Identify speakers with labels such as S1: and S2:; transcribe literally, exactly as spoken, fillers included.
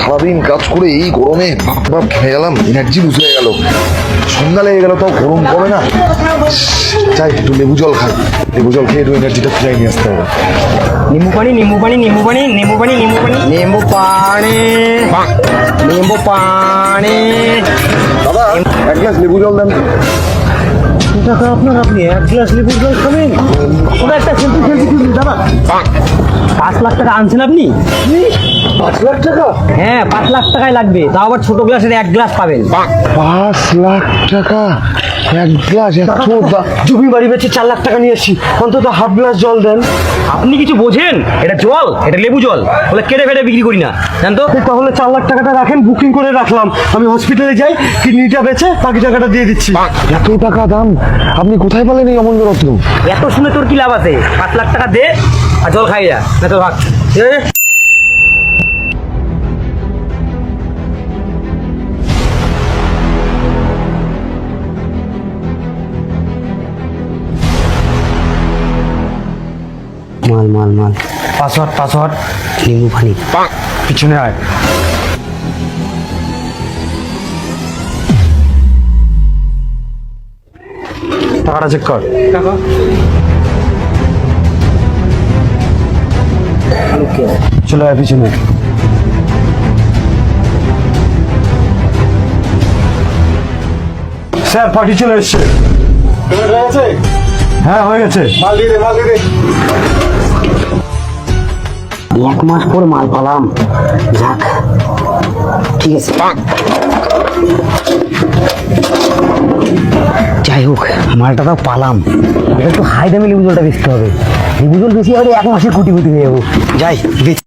S1: সারাদিন কাজ করে এই গরমে বাপ খেয়ে গেলাম, এনার্জি লুজ হয়ে গেল। সন্ধ্যা লেগে গেল, তাও গরম কমে না। চাই একটু লেবু জল খাই, লেবু জল খেয়ে একটু এনার্জিটা ফিরাই নিয়ে আসতে হবে।
S2: নিম্বু পানি নিম্বু পানি নিম্বু পানি নিম্বু পানি নিম্বু পানি নিম্বু পানি নিম্বু পানি।
S1: দাদা এক গ্লাস লেবু জল দেন।
S2: টাকা আপনার, আপনি এক গ্লাস লেবুর জল খাবেন? ওটা একটা সেলফি সেলফি তুলুন দাদা। পাঁচ লাখ টাকা আনছেন আপনি?
S1: পাঁচ লাখ টাকা?
S2: হ্যাঁ, পাঁচ লাখ টাকাই লাগবে, তাও আবার ছোট গ্লাসের এক গ্লাস পাবেন।
S1: পাঁচ লাখ টাকা এক গ্লাস? এত
S2: জমি বাড়ি বেচে চার লাখ টাকা নিয়েছি, অন্তত হাফ গ্লাস জল দেন। আপনি কিছু বোঝেন? এটা জল, এটা লেবু জল, বলে কেটে ফেটে বিক্রি করি না, জান তো।
S3: তাহলে চার লাখ টাকাটা রাখেন, বুকিং করে রাখলাম। আমি হসপিটালে যাই, কিডনিটা বেচে বাকি টাকাটা দিয়ে দিচ্ছি।
S1: এত টাকা দাম? আপনি কোথায় পেলেন এই অমূল্য রত্ন?
S2: এত শুনে তোর কি লাভ আছে? পাঁচ লাখ টাকা দে আর জল খাই যা, না তো ভাগ। মাল মাল মাল
S3: পাসওয়ার্ড পাসওয়ার্ড
S2: নিম্বু পানি।
S3: পিছনে আয়। টাকাটা চেক কর। চলে আয় পিছনে। স্যার পার্টি চলে এসছে। হ্যাঁ হয়ে গেছে।
S2: এক মাস পর মাল পালাম, যাক ঠিক আছে। যাই হোক, মালটা তাও পালাম। এটা একটু হাই দামে লেবু জলটা বেচতে হবে। লেবু জল বেশি হলে এক মাসে কোটিপতি হয়ে যাবো। যাই বেচ।